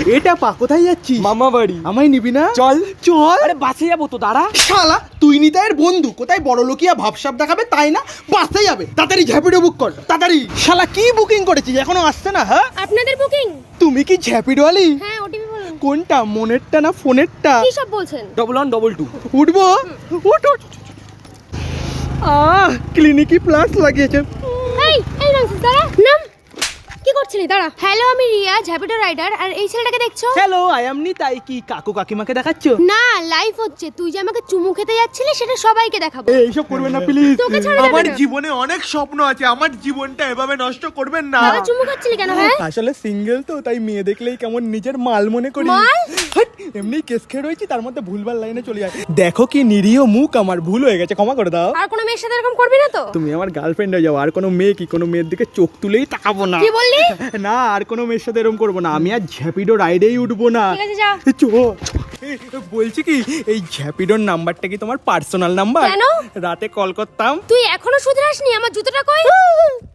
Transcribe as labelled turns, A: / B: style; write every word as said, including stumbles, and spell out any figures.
A: এটা পা কোথায় যাচ্ছিস?
B: মামা বাড়ি।
A: আমায় নিবি না?
B: চল
A: চল।
B: আরে বাসে যাবো তো, দাঁড়া।
A: শালা তুই নিতাইয়ের বন্ধু, কোথায় বড় লোকিয়া ভাবসাব দেখাবে তাই না, বাসে যাবে। তাড়াতাড়ি ঝ্যাপিডো বুক কর তাড়াতাড়ি। শালা কি বুকিং করেছিস এখনো আসছে না? হ্যাঁ
C: আপনাদের বুকিং?
A: তুমি কি ঝ্যাপিডো আলি?
C: হ্যাঁ, ওটিপি বলুন।
A: কোনটা, মনেরটা না ফোনেরটা?
C: কি সব বলছেন?
B: Double one double two.
A: উঠবো? উঠ উঠ। আহ ক্লিনিকি প্লাস লাগিয়েছে।
C: এই এই ননসেন্স, দাঁড়া। নাম কি করছিলি? দাঁড়া। হ্যালো, আমি রিয়া, ঝ্যাপিডো রাইডার। আর এই ছেলেটাকে দেখছো?
A: Hello, I am Nitai. কি কাকু কাকিমাকে দেখাচ্ছ?
C: না, লাইভ হচ্ছে। তুই যে আমাকে চুমু খেতে যাচ্ছিলি সেটা সবাইকে দেখাবো।
A: এইসব করবেন না প্লিজ।
C: তোকে ছাড়া
D: আমার
C: যাবে না।
D: জীবনে অনেক স্বপ্ন আছে, আমার জীবনটা এভাবে নষ্ট করবেন না।
C: দাদা চুমু খাচ্ছিলি কেন? হ্যাঁ,
A: আসলে সিঙ্গেল তো, তাই মেয়ে দেখলেই কেমন নিজের মাল মনে করি।
C: মাল?
A: হাট, এমনি কেস খেয়ে রয়েছি, তার মধ্যে ভুলভাল লাইনে চলে যায়। দেখো কি নিরীহ মুখ আমার, ভুল হয়ে গেছে, ক্ষমা করে দাও।
C: আর কোনো মেয়ের সাথে এরকম করবি না তো?
A: তুমি আমার গার্লফ্রেন্ড হয়ে যাও, আর কোনো মেয়ে কি কোনো মেয়ের দিকে চোখ তুলেই তাকাবো না।
C: কি বললি?
A: না, আর কোনো মেয়ের সাথে এরকম করবো না। আমি আর ঝ্যাপিডো রাইডেই উঠবো না।
C: ঠিক আছে, যা।
A: চো এই, বলছি কি, এই ঝ্যাপিডোর নাম্বারটা কি তোমার পার্সোনাল নাম্বার?
C: কেন?
A: রাতে কল করতাম।
C: তুই এখনো শুধরাসনি? আমার জুতোটা কই?